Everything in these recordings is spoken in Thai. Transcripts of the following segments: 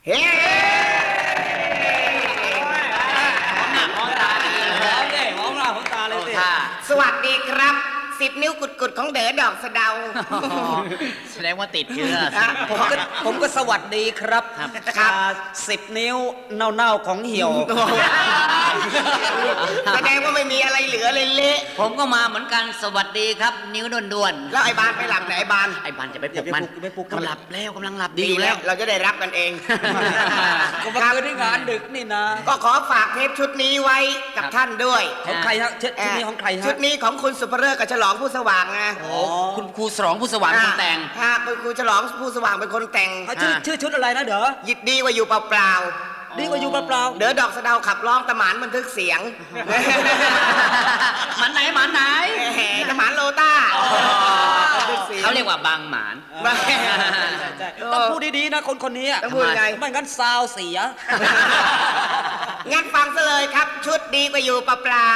เฮ้สวัสดีครับ10 นิ้วกุดๆของเด๋อดอกสะเดาแสดงว่าติดเชื้อผมก็สวัสดีครับ10 นิ้วเน่าๆของเหี่ยวแสดงว่าไม่มีอะไรเหลือเลยเละผมก็มาเหมือนกันสวัสดีครับนิ้วด่วนๆแล้วไอ้บานไปหลับไหนไอ้บานจะไปปลุกมันกำลังหลับแล้วกำลังหลับดีอยู่แล้วเราจะได้รับกันเองก็มาคืนที่งานดึกนี่นะก็ขอฝากเทปชุดนี้ไว้กับท่านด้วยของใครฮะชุดนี้ของใครฮะชุดนี้ของคุณสุภเริศกับฉลองผู้สว่างไงคุณครูฉลองผู้สว่างคนแต่งคุณครูฉลองผู้สว่างเป็นคนแต่งชื่อชุดอะไรนะเด้อยิดดีกว่าอยู่เปล่าดีกว่าอยู่เปล่าเด๋อดอกสะเดาขับร้องตะหมานบันทึกเสียงหมันไหนตะหมานโลต้าเขาเรียกว่าบางหมานต้องพูดดีๆนะคนนี้ต้องพูดไงไม่งั้นซาวเสียงั้นฟังซะเลยครับชุดดีกว่าอยู่เปล่า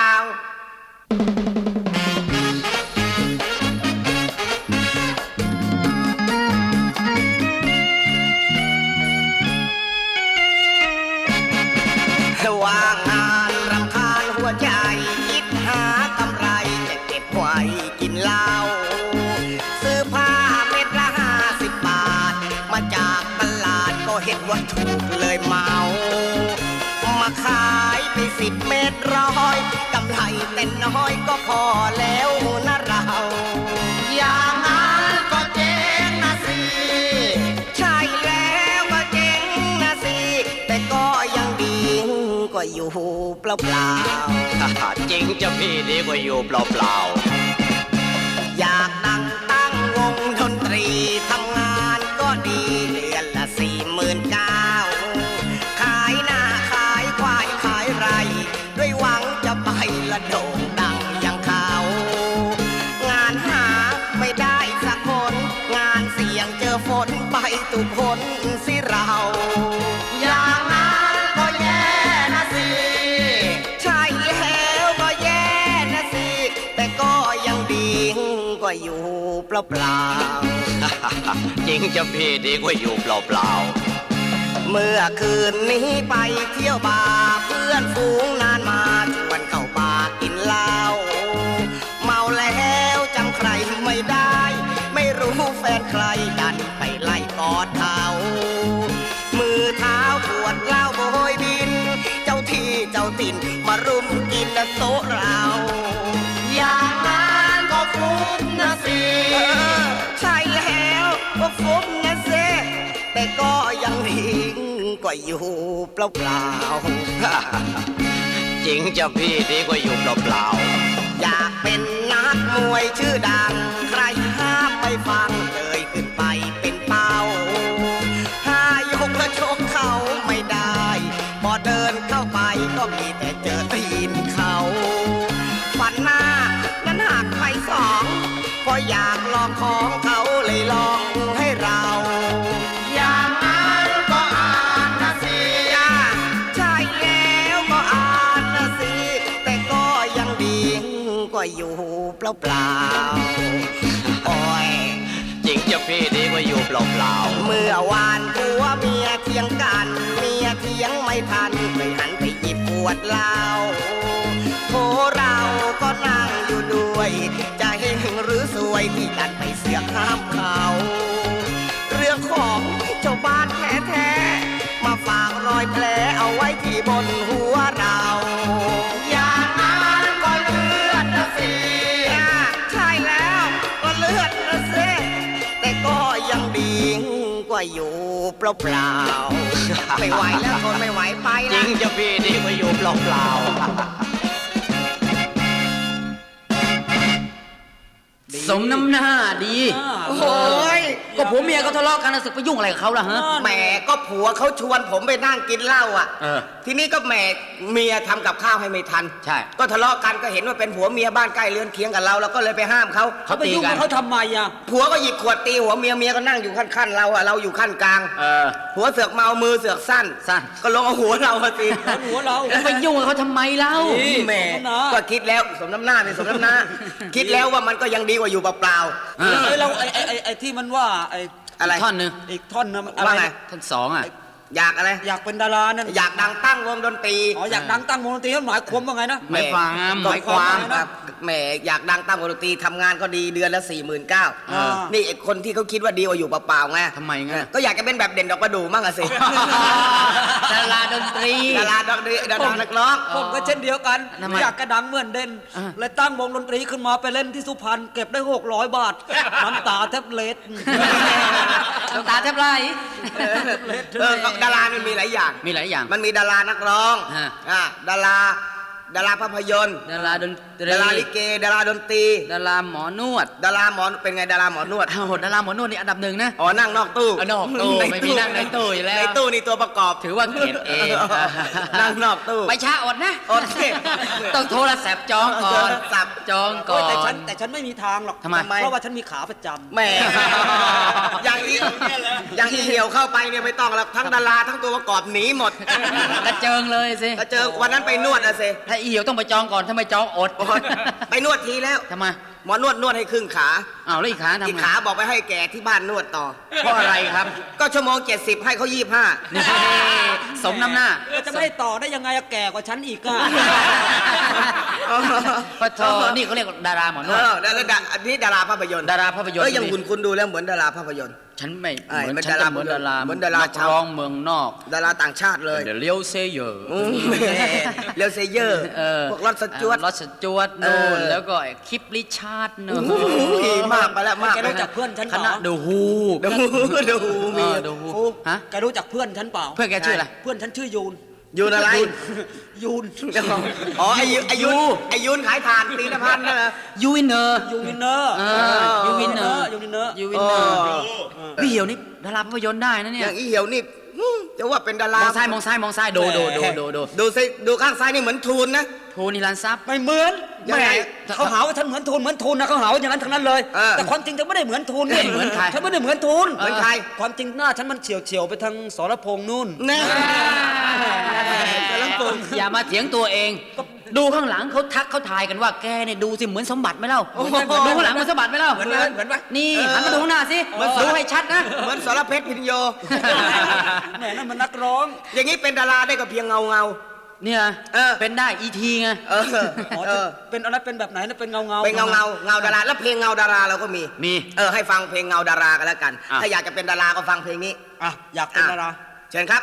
ว่างงานรำคาญหัวใจคิดหากำไรจะเก็บไว้กินเหล้าซื้อผ้าเม็ดละ50 บาทมาจากตลาดก็เห็นว่าถูกเลยเมามาขายไป10 เม็ด100กำไรแต่น้อยก็พอแล้วนะเราอย่างนั้นก็เจ๊งนะสิใช่แล้วก็เจ๊งนะสิแต่ก็ยังดีกว่าอยู่เปล่าๆจริงจะพี่ดีกว่าอยู่เปล่าๆอยากตั้งวงดนตรีทำงานก็ดีเดือนละ49,000ขายหน้าขายควายขายไรด้วยหวังจะไปละโด่งดังอย่างเขางานหาไม่ได้สักคนงานเสี่ยงเจอฝนไปตุกคนสิเราอย่างนั้นก็แย่นะสิใช่แล้วก็แย่นะสิแต่ก็ยังดีกว่าอยู่เปล่าๆจริงจะพี่ดีกว่าอยู่เปล่าๆเมื่อคืนนี้ไปเที่ยวบาร์เพื่อนฝูงนานมาชวนเข้าบาร์กินเหล้าเมาแล้วจำใครไม่ได้ไม่รู้แฟนใครดันไปไล่กอดเขามือเท้าปวดเหล้าโบยบินเจ้าที่เจ้าถิ่นมารุมกินโต๊ะเราอย่างนั้นก็ฟุ้งนะสิใช่แล้วก็ฟุ้งนะสิแต่ก็ยังดีกว่าอยู่เปล่าๆจริงจะพี่ดีกว่าอยู่เปล่าๆอยากเป็นนักมวยชื่อดังใครห้ามไม่ฟังเลยขึ้นไปเป็นเป้ายกและชกเขาไม่ได้พอเดินเข้าไปก็มีแต่เจอตีนเขาฟันหน้านั้นหักไป2พออยากลองของเขาเลยลองให้เราอย่างนั้นก็อ่านนะสิใช่แล้วก็อ่านนะสิแต่ก็ยังดีกว่าอยู่เปล่าๆโอ้ยจริงจะพี่ดีกว่าอยู่เปล่าๆเมื่อวานผัวเมียเถียงกันเมียเถียงไม่ทันเลยหันไปหยิบขวดเหล้าโถเราก็นั่งอยู่ด้วยจะเห็นหรือสวยที่ดันไปเสือกห้ามเขาเรื่องของเจ้าบ้านแท้ๆมาฝากรอยแผลเอาไว้ที่บนหัวเราอย่างนั้นก็เลือดนะสิใช่แล้วก็เลือดนะสิแต่ก็ยังดีกว่าอยู่เปล่าๆไม่ไหวแล้วทนไม่ไหวไปแล้วจริงจะพี่ดีกว่าอยู่เปล่าๆสมน้ำหน้าดีโอ้ยก็ผัวเมียเขาทะเลาะกันสึกไปยุ่งอะไรกับเขาล่ะฮะแหมก็ผัวเขาชวนผมไปนั่งกินเหล้าอ่ะทีนี้ก็แหมเมียทำกับข้าวให้ไม่ทันใช่ก็ทะเลาะกันก็เห็นว่าเป็นผัวเมียบ้านใกล้เรือนเคียงกับเราก็เลยไปห้ามเขาไปยุ่งกับเขาทำไมอ่ะผัวก็หยิบขวดตีหัวเมียก็นั่งอยู่ขั้นเราอ่ะเราอยู่ขั้นกลางผัวเสือกเมามือเสือกสั้นก็ลงเอาหัวเราตีหัวเราไปยุ่งกับเขาทำไมเล่าแหมก็คิดแล้วสมน้ำหน้าเป็นสมน้ำหน้าคิดแล้วว่ามันก็ยังดีกว่าอยู่เปล่าเราไอ้ที่มันว่าไอ้อะไรท่อนนึงอีกท่อนนึงว่าไงท่อน2อ่ะอยากอะไรอยากเป็นดารานั่นอยากดังตั้งวงดนตรีอ๋ออยากดังตั้งวงดนตรีหมายความว่าไงนะหมายความหมายความครับแหมอยากดังตั้งวงดนตรีทำงานก็ดีเดือนละ 49,000นี่ไอ้คนที่เขาคิดว่าดีกว่าอยู่เปล่าๆไงทำไมงั้นก็อยากจะเป็นแบบเด่นดอกประดู่มั่งอะสิดาราดนตรีดาราดอกดีดารานักร้องผมก็เช่นเดียวกันทำไมอยากกระดังเหมือนเด่นอ่าเลยตั้งวงดนตรีขึ้นมาไปเล่นที่สุพรรณเก็บได้600 บาทน้ำตาแทบเล็ดน้ำตาแทบไหลดารามันมีหลายอย่างมีหลายอย่างมันมีดารานักร้องฮะดาราภาพยนตร์ดาราดนตรีดาราลิเกดาราดนตรีดาราหมอนวดดาราหมอเป็นไงดาราหมอนวดอ้าวดาราหมอนวดนี่อันดับหนึ่งนะอ๋อนั่งนอกตู้นอกตู้ไม่มีนั่งในตู้อยู่แล้วในตู้นี่ตัวประกอบถือว่าเกรดเอนั่งนอกตู้ไปช้าอดนะอดสิต้องโทรศัพท์จองก่อนโทรศัพท์จองก่อโอ้ยแต่นฉันไม่มีทางหรอกทำไมเพราะว่าฉันมีขาประจำแหมอย่างอีอย่างอีเหี่ยวเข้าไปเนี่ยไม่ต้องแล้วทั้งดาราทั้งตัวประกอบหนีหมดกระเจิงเลยสิก็เจอวันนั้นไปนวดอะสิถ้าอีเหี่ยวต้องไปจองก่อนถ้าไม่จองอดไปนวดทีแล้วทำไมหมอนวดให้ครึ่งขาอ้าวแล้วอีกขาทำอีกไงขาบอกไปให้แก่ที่บ้านนวดต่อเพราะอะไรครับก็ชั่วโมง 70 ให้เขา 25 นี่สมน้ำหน้าจะไม่ต่อได้ยังไงอะแก่กว่าฉันอีกอะปะโทนี่เขาเรียกว่าดาราหมอนวดอันนี้ดาราภาพยนตร์ดาราภาพยนตร์อย่างคุณดูแล้วเหมือนดาราภาพยนตร์ฉันไม่ไอ้เหมือนมันฉันดาราจะเหมือนดาราเหมือนดารานักชาวร้องเมืองนอกดาราต่างชาติเลยเดี๋ยวเลี้ยวเซเยอร์เรลเซเยอร์ พวกรอดสจวตรอดสจวตนู่นเออแล้วก็ไอ้คลิปริชาร์ดนู่นมากไปแล้วมากแกไปรู้จักเพื่อนฉันคเปณะล่าเดอะฮูดูมีเดอะฮูฮะแกรู้จักเพื่อนฉันเปล่าเพื่อนแกชื่ออะไรเพื่อนฉันชื่อยูนยูนอะไรยูนอ๋อไอายุนขายถ่านตีนพันธ์นั่นเหรอยูวินเนอร์ยูวินเนอร์ยูวินเนอร์ยูวินเนอร์ยูวินเนอร์พี่เหี่ยวนี่ดาราภาพยนตร์ได้นะอเนี่ยย่างอีเหี่ยวนี่จะว่าเป็นดาม ราองซ้ายมองซ้ายมองซ้ายดูดูสิดูข้างซ้ายนี่เหมือนทูนนะโทนิรันทรัพย์ไม่เหมือนยังไงเขาหาว่าฉันเหมือนทูนนะเขาหาว่าอย่างนั้นทั้งนั้นเลยเออแต่ความจริงฉันไม่ได้เหมือนทูนนี่เหมือนใครฉันไม่ได้เหมือนทูนเหมือนใครความจริงหน้าฉันมันเฉียวไปทางสรพงษ์นู่นแน่แล้วปงอย่ามาเถียงตัวเอง ดูข้างหลังเขาทักเขาทายกันว่าแกเนี่ยดูสิเหมือนสมบัติไหมเล่าดูข้างหลังเหมือนสมบัติไหมเล่าเหมือนปะนี่หันมาดูข้างหน้าสิดูให้ชัดนะเหมือนสรเพชรพินโยแหมนั่นมันนักร้องอย่างนี้เป็นดาราได้ก็เพียงเงาเนี่ยเออเป็นได้อีทีไงเอออ๋อเออเป็นอะไรเป็นแบบไหนนะเป็นเงาเป็นเงาดาราแล้วเพลงเงาดาราเราก็มีมีให้ฟังเพลงเงาดารากันแล้วกันอ่ะถ้าอยากจะเป็นดาราก็ฟังเพลงนี้อ่ะอยากเป็นดาราเชิญครับ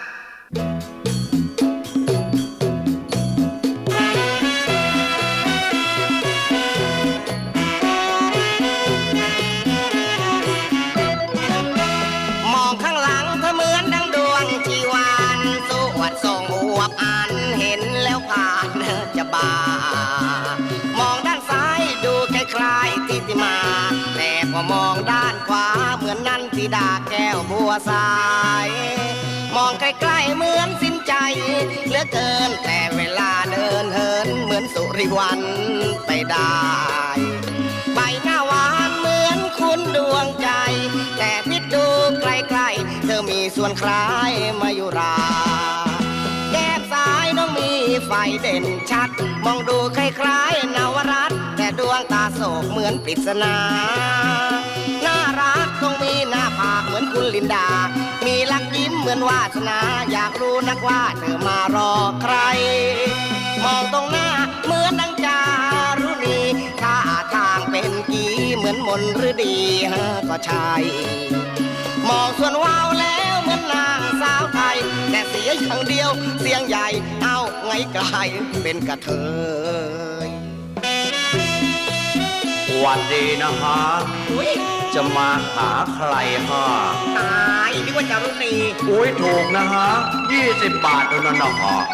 มองข้างหลังเธอเหมือนดังดวงชีวานสวดทรงอวบอันเห็นแล้วผ่านจะบามองด้านซ้ายดูคล้ายๆทิติมา แต่พอมองด้านขวาเหมือนนันทิดาแก้วบัวสาย มองใกล้ๆเหมือนสิ้นใจเหลือเกินแต่เวลาเดินเหินเหมือนสุริวันไปได้ ใบหน้าหวานเหมือนคุณดวงใจ แต่พิดดูไกลๆเธอมีส่วนคล้ายมายุรา แก้มซ้ายน้องมีไฟเด่นชัด มองดูคล้ายๆนวรัตน์แต่ดวงตาโศกเหมือนปริศนา น่ารักต้องมีหน้าผากเหมือนคุณลินดา มีลักยิ้มเหมือนวาสนา อยากรู้นักว่าเธอมารอใคร มองตรงหน้าเหมือนดังจารุณีท่าทางเป็นกีเหมือนมนฤดีก็ใช่ มองส่วนวาวแล้วเหมือนนางสาวไทย แต่เสียอย่างเดียวเสียงใหญ่ เอาไงกลายเป็นกระเทยวันดีนะฮะ จะมาหาใครฮะตายนึกว่าจารุณีอุ้ยถูกนะฮะ20 บาทเท่านั้นนะฮะ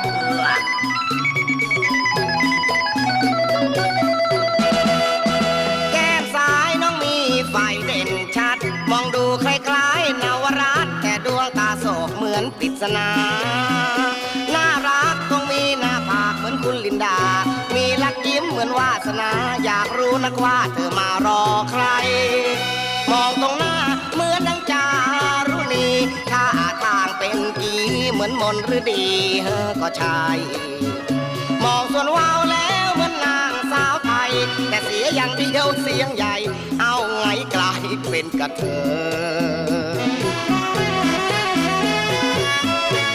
แก้มซ้ายน้องมีไฟเด่นชัด มองดูคล้ายๆนวรัตน์แต่ดวงตาโศกเหมือนปริศนา น่ารักต้องมีหน้าผากเหมือนคุณลินดา มีลักยิ้มเหมือนวาสนา อยากรู้นักว่าเธอมารอใคร มองตรงหน้าเหมือนดังจารุณีท่าทางเป็นกีเหมือนมนฤดีก็ใช่ มองส่วนวาวแล้วเหมือนนางสาวไทย แต่เสียอย่างเดียวเสียงใหญ่ เอาไงกลายเป็นกระเทย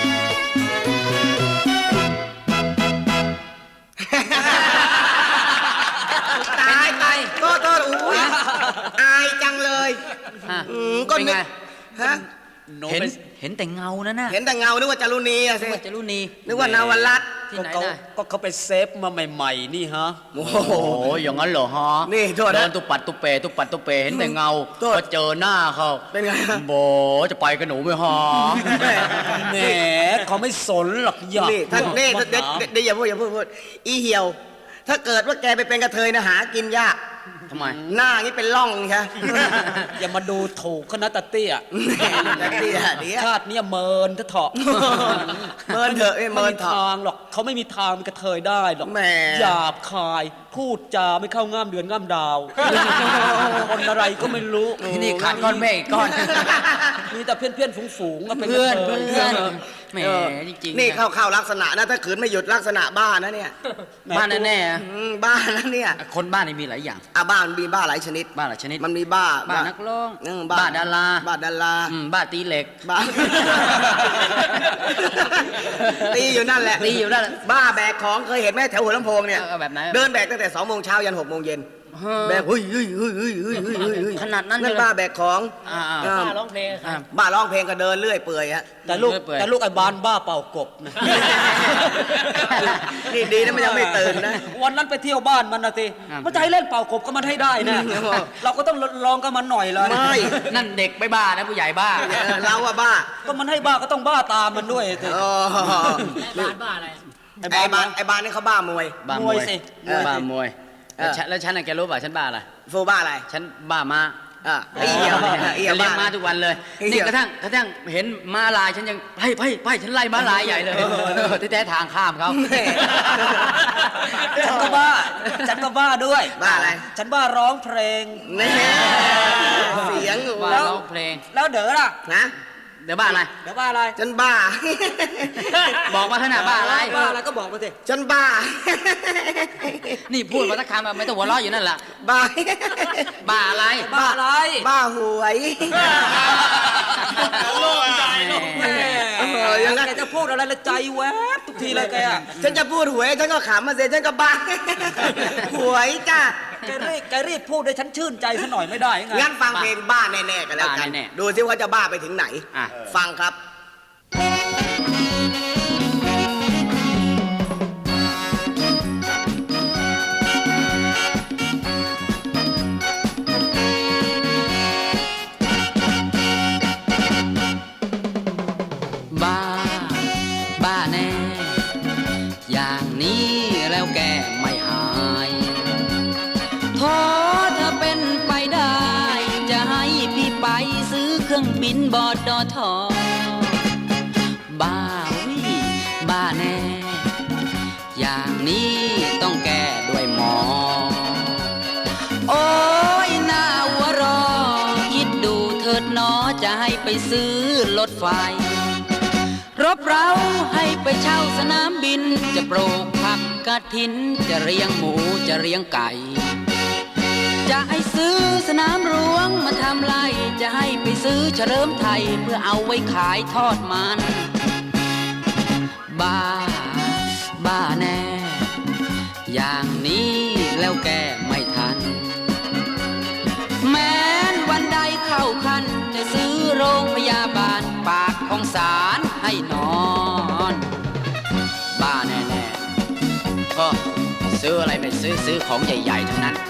ฮะหนูเห็นไปเห็นแต่เงานั่นน่ะเห็นแต่เงานึกว่าจารุณีอะสิว่าจะรู้นีนึกว่านาวรัตน์ที่ก็ไหนเขาได้ก็เขาไปเซฟมาใหม่ๆนี่ฮะโอ้โอ้โหโหอย่างนั้นเหรอฮะนี่โทษนะเดินตุปัดตุเปตุปัดตุเปเห็นแต่เงาโทษพอเจอหน้าเขาเป็นไงฮะโบจะไปกับหนูไหมฮะแหมเขาไม่สนหรอกอยากนี่ท่านนี่เดี๋ยวอย่าพูดอีเหี่ยว ถ้าเกิดว่าแกไปเป็นกระเทยนะหากินยากทำไมหน้างี้เป็นร่องใช่อย่ามาดูถูกคณะตะเตี้ยแต่เดี๋ยวชาติเนี้ยเมินเถอะเมินเถอะเมินมีเถอะทางหรอกเขาไม่มีทางเป็นกระเทยได้หรอกแหมหยาบคาย พูดจาไม่เข้าง่ามเดือนง่ามดาว คนอะไรก็ไม่รู้นี่ขาดก้อนเมฆอีกก้อนมีแต่เพื่อนๆฝูงๆก็เป็นกเพื่ระอนเทยเพื่อนแหมจริงๆนี่นะเข้าลักษณะนะถ้าขืนไม่หยุดลักษณะบ้านะเนี่ยบ้านแน่ๆอะบ้านะเนี่ยคนบ้านนี่มีหลายอย่างบ้านมีบ้าหลายชนิดบ้านหลายชนิดมันมีบ้าบ้านนักร้องบ้าบ้านดาราบ้าดาราบ้านตีเหล็กบ้า ตีอยู่นั่นแหละตีอยู่นั่นแหละบ้าแบกของเคยเห็นไหมแถวหัวลำโพงเนี่ยแบบไหนเดินแบกตั้งแต่2 โมงเช้ายัน6 โมงเย็นฮะแบกเฮ้ยขนาดนั้นเลยนั่นบ้าแบกของอ่าบ้าร้องเพลงบ้าร้องเพลงก็เดินเรื่อยเปื่อยฮะแต่ลูกเปื่อยแต่ลูกไอ้บานบ้าเป่ากบนะนี่ดีนะมันยังไม่ตื่นนะวันนั้นไปเที่ยวบ้านมันนะสิครับมันจะให้เล่นเป่ากบก็มันให้ได้นะ เราก็ต้องลองกับมันหน่อยเลยไม่นั่นเด็กไม่บ้านะผู้ใหญ่บ้าเราอะบ้าก็มันให้บ้าก็ต้องบ้าตามมันด้วยสิอ๋อบ้าอะไรไอ้บ้านนี่เขาบ้ามวยบ้ามมววย ยสิบ้ามวยเออแล้วฉันน่ะแกรู้ป่ะฉันบ้าอะไรฟูบ้าอะไรฉันบ้าม้าไอ้เหี้ยไอ้เหี้ยฉันเลี้ยงบ้าม้าทุกวันเลยไอ้เหี้นี่ยกระทั่งเห็นม้าลายฉันยังไปฉันไล่ม้าลายใหญ่เลยที่แท้ทางข้ามเขาแม่ฉันก็บ้า ฉันก็บ้าด้วยบ้าอะไรฉันบ้าร้องเพลงแน่เสียงบ้าแล้วร้องเพลงแล้วเด๋อล่ะนะเดี๋ยวบ้าอะไรเดี๋ยวบ้าอะไรฉันบ้าบอกมาขนาดบ้าอะไรบ้าอะไรก็บอกมาสิฉันบ้านี่พูดมาสักคำแบบไม่ต้องหัวเราะอยู่นั่นแหละบ้าบ้าอะไรบ้าอะไรบ้าหวยโล่งใจแหมยังไงแกจะพูดอะไรละใจแวบทุกทีเลยแกอะฉันจะพูดหวยฉันก็ขำมาเสียฉันก็บ้า หวยจ้ะแกรีบพูดให้ฉันชื่นใจซะหน่อยไม่ได้ไงงั้นฟังเพลงบ้าแน่ๆกันแล้วกันบ้าแน่ๆดูซิว่าจะบ้าไปถึงไหนอ่ะฟังครับบ้า บ้าแน่ อย่างนี้แล้วแกไม่หายโทษถ้าเป็นไปได้ จะให้พี่ไปซื้อเครื่องบินบอดดอทอบ้าวิบ้าแน่ อย่างนี้ต้องแก้ด้วยหมอ โอ้ยหน้าหัวเรอคิดดูเถิดหนอจะให้ไปซื้อรถไฟ รบเราให้ไปเช่าสนามบิน จะปลูกผักกระถิน จะเลี้ยงหมูจะเลี้ยงไก่ จะให้ซื้อสนามหลวงมาทำไร จะให้ไปซื้อเฉลิมไทยเพื่อเอาไว้ขายทอดมัน บ้า บ้าแน่ อย่างนี้แล้วแกไม่ทัน แม้นวันใดเข้าคัน จะซื้อโรงพยาบาลปากของศาลให้นอน บ้าแน่ๆก็ซื้ออะไรไม่ซื้อของใหญ่ๆทั้งนั้น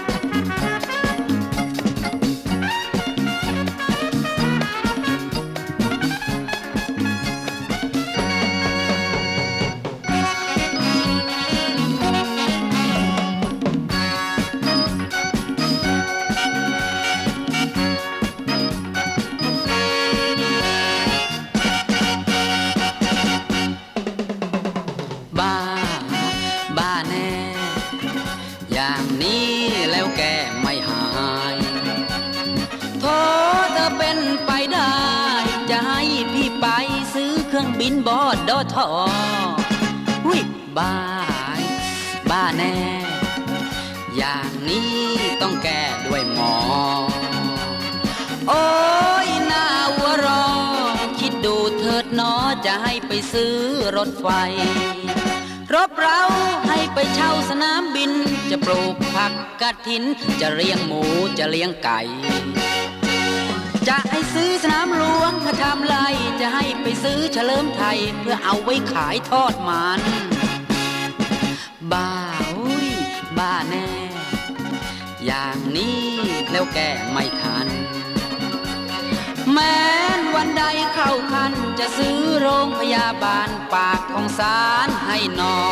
บ้า บ้าแน่ อย่างนี้แล้วแกไม่หายโทษถ้าเป็นไปได้ จะให้พี่ไปซื้อเครื่องบินบอดดอทอวิบ้า บ้าแน่ อย่างนี้ต้องแก้ด้วยหมอ โอ้ยหน้าหัวเรอคิดดูเถิดหนอจะให้ไปซื้อรถไฟ รบเราให้ไปเช่าสนามบิน จะปลูกผักกระถิน จะเลี้ยงหมูจะเลี้ยงไก่ จจะให้ซื้อสนามหลวงมาทำไรจะให้ไปซื้อเฉลิมไทยเพื่อเอาไว้ขายทอดมัน บ้าอุ้ยบ้าแน่ อย่างนี้แล้วแกไม่ทัน แม้นวันใดเข้าคันจะซื้อโรงพยาบาลปากของศาลให้นอน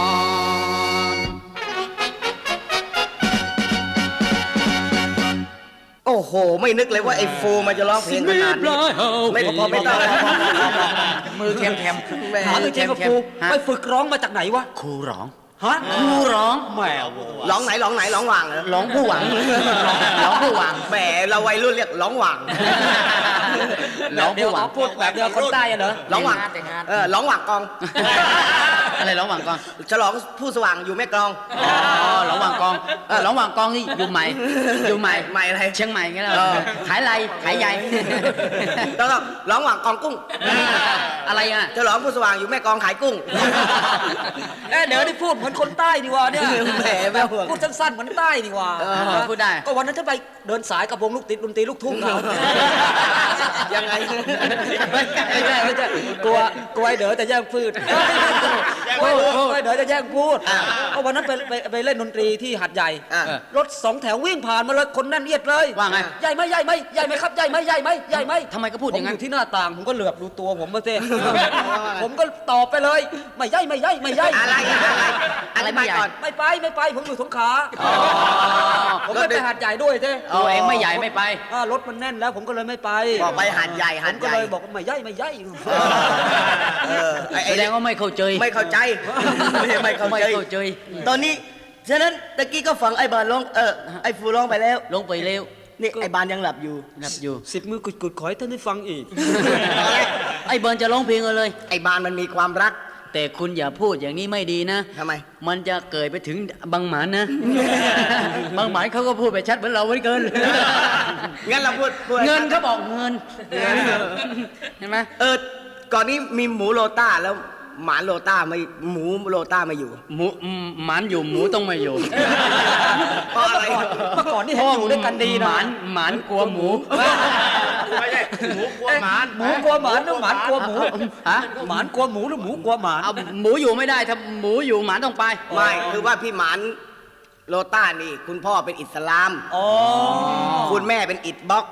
โอ้โห ไม่นึกเลยว่าไอ้ฟูมันจะร้องเพลงขนาดนี้ไม่พอไม่ต้องแล้วมือแคมแม่หามือแคมกับครูไปฝึกร้องมาจากไหนวะครูร้องฮะครูร้องแหมร้องไหนร้องไหนร้องหว่างเหรอร้องผู้หวังร้องผู้หวังแหมเราวัยรุ่นเรียกร้องหว่างร้องเดี๋ยวผู้หวังพูดแบบเดียวคนใต้อะเหรอร้องหว่างร้องหว่างกองอะไรร้องหวังกองฉลองผู้สว่างอยู่แม่กลองอ๋อร้องหวังกองร้องหวังกองนี่อยู่ใหม่อยู่ใหม่ใหม่อะไรเชียงใหม่งั้นเหรเอออขายไรขายใหญ่แล้วก็ร้องหว่างกองกุ้งอะไรอ่ะฉลองผู้สว่างอยู่แม่กลองขายกุ้งเดี๋ยวนี่พูดเหมือนคนใต้ดีว่าเนี่ยแหมแม่ห่วงพูดสั้นๆเหมือนใต้ดีว่าพูดได้ก็วันนั้นฉันไปเดินสายกับวงลูกติดดนตรีลูกทุ่งเขายังไงไม่ใช่กลัวไอ้เด๋อจะแย่งพูดกลัวไอ้เด๋อจะแย่งพูดก็วันนั้นไปเล่นดนตรีที่หัดใหญ่อ่ะรถสองแถววิ่งผ่านมาเลยคนแน่นเอียดเลยว่าไงใหญ่ไหมใหญ่ไหมใหญ่ไหมครับใหญ่ไหมใหญ่ไหมใหญ่ไหมทำไมก็พูดอย่างนั้นผมอยู่ที่หน้าต่างผมก็เหลือบดูตัวผมมาเต้ ผมก็ตอบไปเลยไม่ใหญ่ไม่ใหญ่ไม่ใหญ่อะไรอะไรไปก่อนไม่ไปผมอยู่สงขลาผมไม่ไปหัดใหญ่ด้วยเต้ตัวเองไม่ใหญ่ไม่ไปรถมันแน่นแล้วผมก็เลยไม่ไปบอกไปหันใหญ่ผหันมใหก็ญ่เลยบอกว่าไม่ใหญ่ไม่ใหญ่ไอ้แสดงว่าไม่เข้าใจไม่เข้าใจไม่เข้าไม่ใจเข้าใจตอนนี้ฉะนั้นตะกี้ก็ฟังไอ้บานร้องไอ้ฟูร้องไปแล้วลงไปเร็วนี่ไอ้บานยังหลับอยู่หลับอยู่สิบมือกุดๆขอให้ท่านได้ฟังอีกไอ้เบิร์นจะร้องเพลงเลยไอ้บานมันมีความรักแต่คุณอย่าพูดอย่างนี้ไม่ดีนะทำไมมันจะเกิดไปถึงบางหมานนะ บางหมานเขาก็พูดไปชัดเหมือนเราเหมือนเกินงั้นเราพูดเงินเขาบอกเงิน เห็นไหมก่อนนี้มีหมูโลต้าแล้วหมาโลต้าไม่หมูโลต้าไม่อยู่หมูหมานอยู่หมูต้องไม่อยู่เพราะอะไรเมื่อก่อนนี่เห็นอยู่ด้วยกันดีนะหมานกลัวหมูไม่ใช่หมูกลัวหมาหมูกลัวหมานหรือหมานกลัวหมูฮะหมานกลัวหมูหรือหมูกลัวหมานเอาหมูอยู่ไม่ได้ถ้าหมูอยู่หมานต้องไปไม่คือว่าพี่หมานโลต้านี่ คุณพ่อเป็นอิสลามอ๋อคุณแม่เป็นอิดบล็อก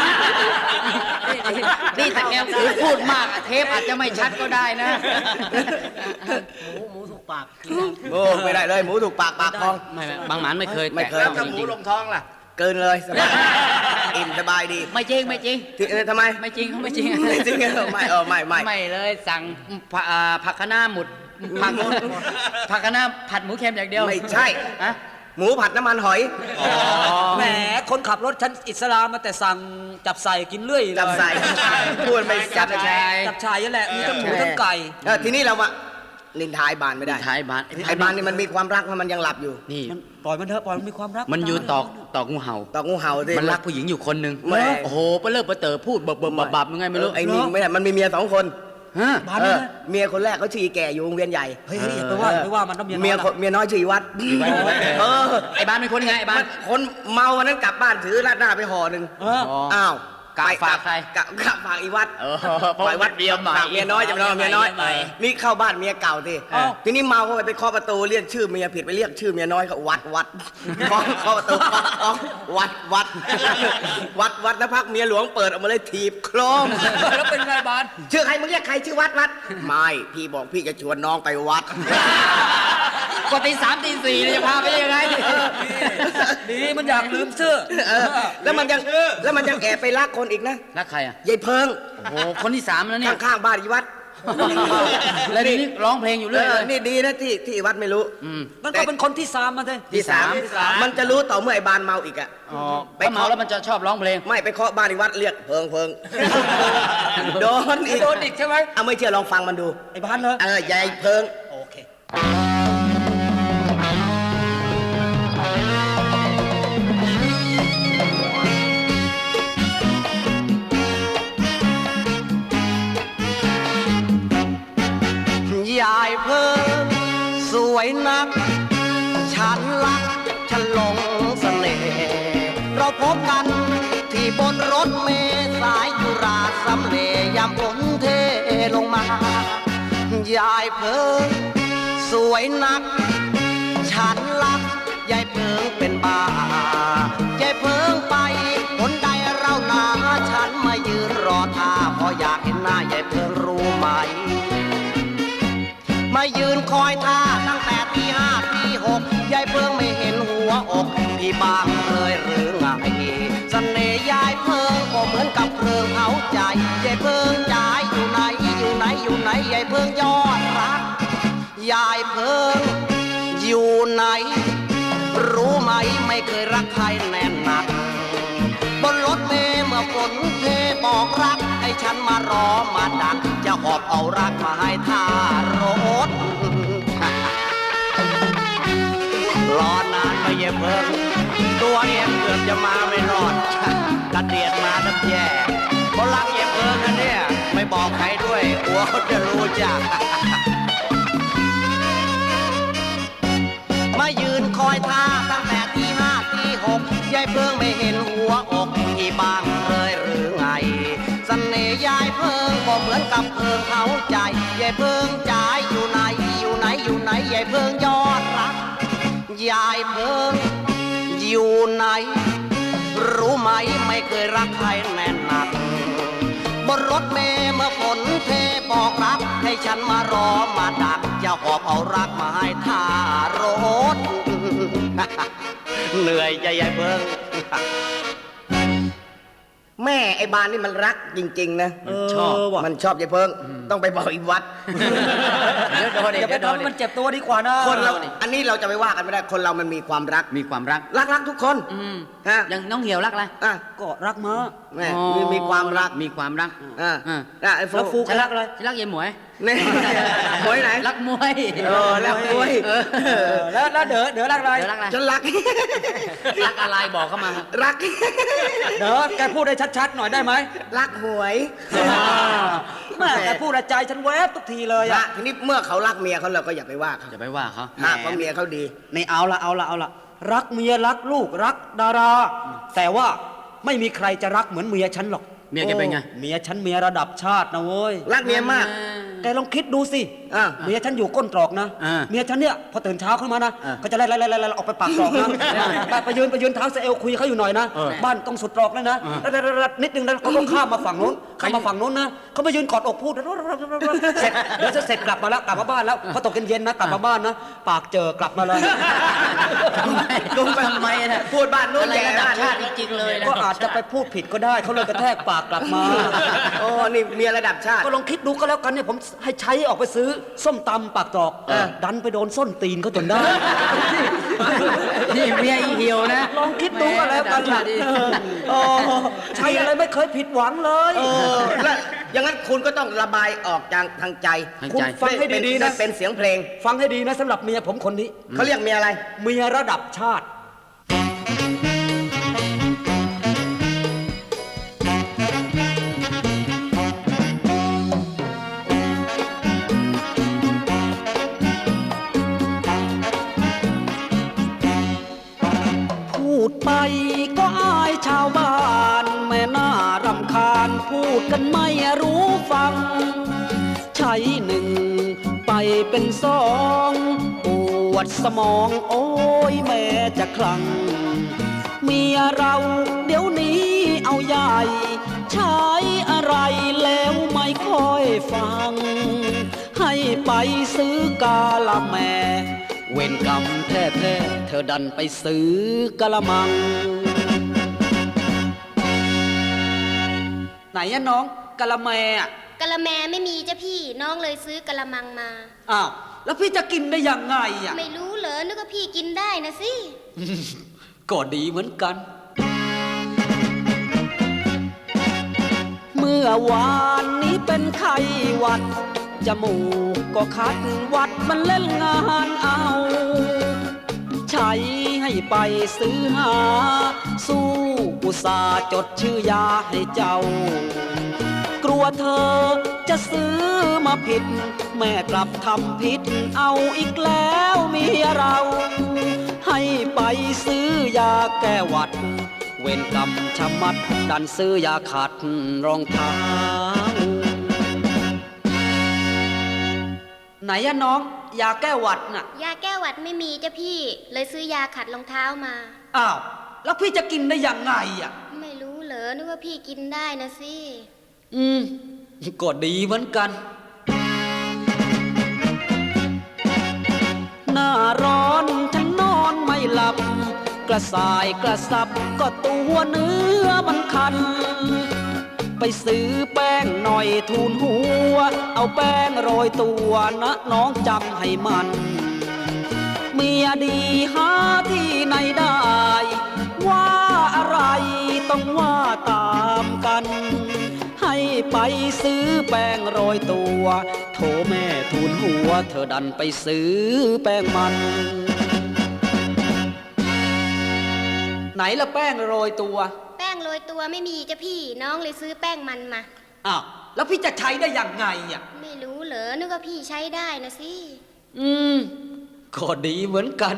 นี่แต่แกพูดมากอะเทปอาจจะไม่ชัดก็ได้นะ หมูถูกปากโอ้ไม่ได้เลยหมูถูกปากปากพองไม่บางหมานไม่เคยไม่เคยแตะแล้วถ้าจหมูริงลงท้องล่ะเกินเลยสบายอิ่มสบายดีๆไม่จริงไม่จริงทำไมไม่จริงเขาไม่จริงจริงเหรอไม่ไม่ไม่เลยสั่งผักคะน้าหมุดผักคะน้าผัดหมูเค็มอย่างเดียวไม่ใช่ฮะหมูผัดน้ำมันหอยแหมคนขับรถชั้นอิสลามมาแต่สั่งจับใส่กินเรื่อยเลยจับใส่พูดไม่จัจับบ ชายจับชายนั่นแหละมีทั้งหมูทั้งไก่ทีนี้เรามานินทายบานไม่ได้ท้ายบ้านไอ้บานนี่มันมีความรักมันยังหลับอยู่นี่มันปล่อยมันเถอะปล่อยมันมีความรักมันอยู่ตอกงูเห่าตอกงูเห่าสิมันรักผู้หญิงอยู่คนหนึ่งแม่โอ้โหเปเลิกเปเตอพูดบับยังไงไม่รู้ไอ้นี่ไม่ได้มันมีเมีย2 คนฮะบ้านนี้นะเมียคนแรกเขาชื่ออีแก่อยู่วงเวียนใหญ่เฮ้ยอย่าไปว่ามันต้องมีเมียน้อยชื่ออีวัดเออไอ้บ้านเป็นคนไงไอ้บ้านคนเมาวันนั้นกลับบ้านถือราดหน้าไปห่อหนึ่งเอออ้าวกะฝากใครกะฝากอีวัดเออเพราะวัดเมียใหม่ฝากเมียน้อยจะไปนอนเมียน้อยใหม่นี่เข้าบ้านเมียเก่าสิเอ้าทีนี้เมาเข้าไปเคาะประตูเรียกชื่อเมียผิดไปเรียกชื่อเมียน้อยเขาวัดเคาะประตูวัดแล้วพักเมียหลวงเปิดออกมาเลยถีบโครมแล้วเป็นไงบ้านชื่อใครมึงเรียกใครชื่อวัดไม่พี่บอกพี่จะชวนน้องไปวัดกว่าตี 3 ตี 4เนี่ยจะพาไปยังไงดีมันอยากลืมเสื้อแล้วมันยังแอบไปรักคนอีกนะรักใครอ่ะยายเพิงโอ้โหคนที่ 3 แล้วเนี่ยข้างๆบ้านอีวัดแล้วนี่ร้องเพลงอยู่เรื่อยเลยนี่ดีนะที่วัดไม่รู้มันก็เป็นคนที่สามมาเลยที่สามมันจะรู้ต่อเมื่อไอ้บานเมาอีกอะอ๋อไปเมาแล้วมันจะชอบร้องเพลงไม่ไปเคาะบ้านอีวัดเรียกเพิงโดนอีกโดนอีกใช่ไหมเอาไม่เชื่อลองฟังมันดูไอ้บ้านเหรอยายเพิงโอเคยายเพิงสวยนัก ฉันรักฉันหลงเสน่ห์เราพบกันที่บนรถเมล์สายจุฬาสำเรยามฝนเทลงมายายเพิงสวยนักฉันรักยายเพิงเป็นบ้ายายเพิงไปคนใดเราหนาฉันมายืนรอท่าเพราะอยากเห็นหน้ายายเพิงรู้ไหมมายืนคอยท่าตั้งแต่ตีห้าตีหกยายเพิงไม่เห็นหัวอกพี่บางเลยหรือไงเสน่ห์ยายเพิงก็เหมือนกับเพลิงเผาใจยายเพิงจ่ายอยู่ไหนอยู่ไหนอยู่ไหนยายเพิงยอดรักยายเพิงอยู่ไหนรู้ไหมไม่เคยรักใครแน่นหนักบนรถเมล์เมื่อฝนเทบอกรักให้ฉันมารอมาดักจะหอบเอารักมาให้ท่ารถ รอนานไปเย็บเพิ่งตัวเองเกือบจะมาไม่รอดกระเดียดมาทับแย่เพราะรักเย็บเพิ่งนะเนี่ยไม่บอกใครด้วยกลัวเขาจะรู้จัก มายืนคอยท่าตั้งแต่ตีห้าตีหกยายเพิ่งไม่เห็นหัวอกที่บางเลยหรือไงเสน่ห์ยายเพิ่งก็เหมือนกับเพิ่งเขาใจยายเพิ่งจ่ายอยู่ไหนอยู่ไหนอยู่ไหนยายเพิ่งยอดรักยายเพิ่งอยู่ไหนรู้ไหมไม่เคยรักใครแน่นหนักบนรถเมล์เมื่อฝนเทบอกรักให้ฉันมารอมาดักจะหอบเอารักมาให้ท่ารถ เหนื่อยใจยายเพิ่ง แม่ไอ้บานนี่มันรักจริงๆนะชอบว่ะมันชอบยายเพิ่งต้องไปบอกอีกวัดอย่าไปทำให้มันเจ็บตัวดีกว่านะคนเราอันนี้เราจะไปว่ากันไม่ได้คนเรามันมีความรักมีความรักรักทุกคนฮะอย่างน้องเหี่ยวรักอะไรอ่ะก็รักม้าแม่มีความรักมีความรักอ่ะอ่าอ่ะไอ้ฟูแล้วฟูก็รักอะไรฉันรักยายหมวยนี่ หมวยไหนรักมวยรักมวยแล้วเด๋อรักอะไรเดี๋ยวรักอะไรฉันรักรักอะไรบอกเข้ามารักเด๋อแกพูดได้ชัดๆหน่อยได้ไหมรักหวยแม่แกพูดใจฉันแวบทุกทีเลยนะอะทีนี้เมื่อเขารักเมียเขาเราก็อย่าไปว่าเขาจะไปว่าเขาเพราะเมียเขาดีนี่เอาละรักเมียรักลูกรักดารา แต่ว่าไม่มีใครจะรักเหมือนเมียฉันหรอกเมียแกเป็นไงเมียฉันเมียระดับชาตินะเว้ยรักเมียมากแกลองคิดดูสิอ่าเมียฉันอยู่ก้นตรอกนะอ่าเมียฉันเนี่ยพอตื่นเช้าขึ้นมานะอ่าก็จะไล่ออกไปปากตรอกนะไปยืนเท้าเซลคุยเขาอยู่หน่อยนะ บ้านต้องสุดตรอกเลยนะนิดนึงแล้วเขาก็ข้ามมาฝั่งนู้นนะเขามายืนกอดอกพูดเสร็จเดี๋ยวจะเสร็จกลับมาบ้านแล้วพอตกเย็นๆนะกลับมาบ้านนะปากเจอกลับมาเลยทำไมนะพูดบ้านนู้นอะไรแย่ระดับบ้านชาติจริงๆเลยนะก็อาจจะไปพูดผิดก็ได้เขาเลยกระแทกปากกลับมาโอ้นี่เมียระดับชาติก็ลองคิดดูก็แล้วกันเนี่ยผมให้ใช้ออกไปซื้อส้มตำปากตรอกดันไปโดนส้นตีนเขาจนได้นี่เมียอีเหี่ยวนะลองคิดดูก็แล้วกันระดับชาติใช่อะไรไม่เคยผิดหวังเลยแล้วอย่างนั้นคุณก็ต้องระบายออกจากทางใจทางใจคุณฟังให้ดีๆนะเป็นเสียงเพลงฟังให้ดีนะสำหรับเมียผมคนนี้เขาเรียกเมียอะไรเมียระดับชาติ พูดไปก็อายชาวบ้านแม่น่ารำคาญพูดกันไม่รู้ฟัง ใช้หนึ่งไปเป็นสองปวดสมองโอ้ยแม่จะคลั่งเมียเราเดี๋ยวนี้เอาใหญ่ใช้อะไรแล้วไม่ค่อยฟัง ให้ไปซื้อกาละแมเวรกรรมแท้ๆเธอดันไปซื้อกะละมัง ไหนอะน้องกะละแมอะกะละแมไม่มีจ้ะพี่น้องเลยซื้อกะละมังมาอ้าวแล้วพี่จะกินได้ยังไงอะไม่รู้เหรอนึกว่าพี่กินได้นะสิก็ดีเหมือนกัน เมื่อวานนี้เป็นไข้หวัดจมูกก็คัดวัดมันเล่นงานเอา ใช้ให้ไปซื้อหา สู้อุตส่าห์จดชื่อยาให้เจ้า กลัวเธอจะซื้อมาผิด แม่กลับทำผิดเอาอีกแล้วเมียเรา ให้ไปซื้อยาแก้หวัดเวรกรรมชะมัดดันซื้อยาขัดรองเท้าไหนอะน้องยาแก้หวัดน่ะยาแก้หวัดไม่มีจ้ะพี่ เลยซื้อยาขัดรองเท้ามาอ้าวแล้วพี่จะกินได้ยังไงอะไม่รู้เหรอนึกว่าพี่กินได้นะสิก็ดีเหมือนกัน หน้าร้อนฉันนอนไม่หลับ กระสายกระสับก็ตัวเนื้อมันคัน ไปซื้อแป้งหน่อยทูนหัว เอาแป้งโรยตัวนะน้องจำให้มัน เมียดีหาที่ไหนได้ ว่าอะไรต้องว่าตามกัน ให้ไปซื้อแป้งโรยตัวโถแม่ทูลหัวเธอดันไปซื้อแป้งมัน ไหนละแป้งโรยตัวแป้งโรยตัวไม่มีจ้ะพี่ น้องเลยซื้อแป้งมันมาอ้าวแล้วพี่จะใช้ได้ยังไงอ่ะไม่รู้เหรอนึกว่าพี่ใช้ได้นะสิก็ดีเหมือนกัน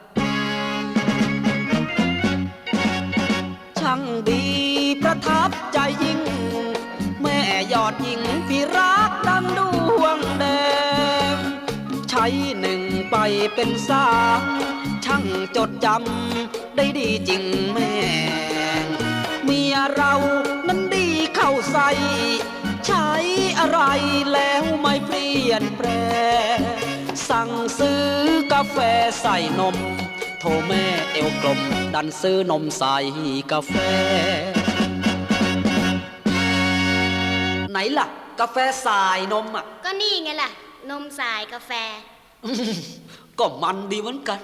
ช่างดีประทับใจยิ่ง แม่ยอดหญิงที่รักดังดวงแดงใช้หนึ่งไปเป็นสามช่างจดจำได้ดีจริงแม่เมียเรานั้นดีเข้าใส่ใช้อะไรแล้วไม่เปลี่ยนแปลงสั่งซื้อกาแฟใส่นมโทรแม่เอวกลมดันซื้อนมใส่กาแฟไหนล่ะกาแฟสายนมอ่ะก็นี่ไงล่ะ นมสายกาแฟก็มันดีเหมือนกัน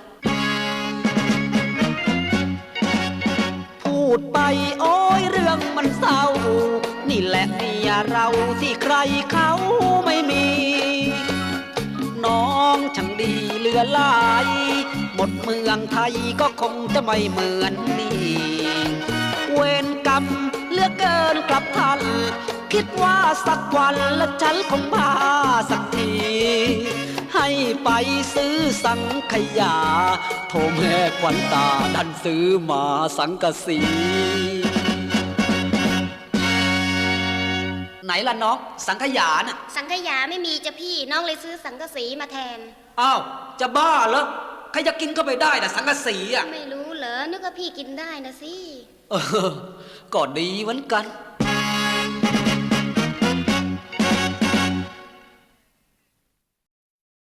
พูดไปโอ้ยเรื่องมันเศร้านี่แหละเมียเราที่ใครเขาไม่มี น้องช่างดีเหลือหลายหมดเมืองไทยก็คงจะไม่เหมือนนี่เวรกรรมเหลือเกินกลับทันคิดว่าสักวันและฉันคงมาสักทีให้ไปซื้อสังขยาโทรแม่ขวัญตาดันซื้อมาสังกะสี ไหนล่ะน้องสังขยาน่ะสังขยาไม่มีจ้ะพี่ น้องเลยซื้อสังกะสีมาแทนอ้าวจะบ้าเหรอใครจะกินก็ไปได้แต่สังกะสีอ่ะไม่รู้เหรอนึกว่าพี่กินได้นะสิก็ดีเหมือนกัน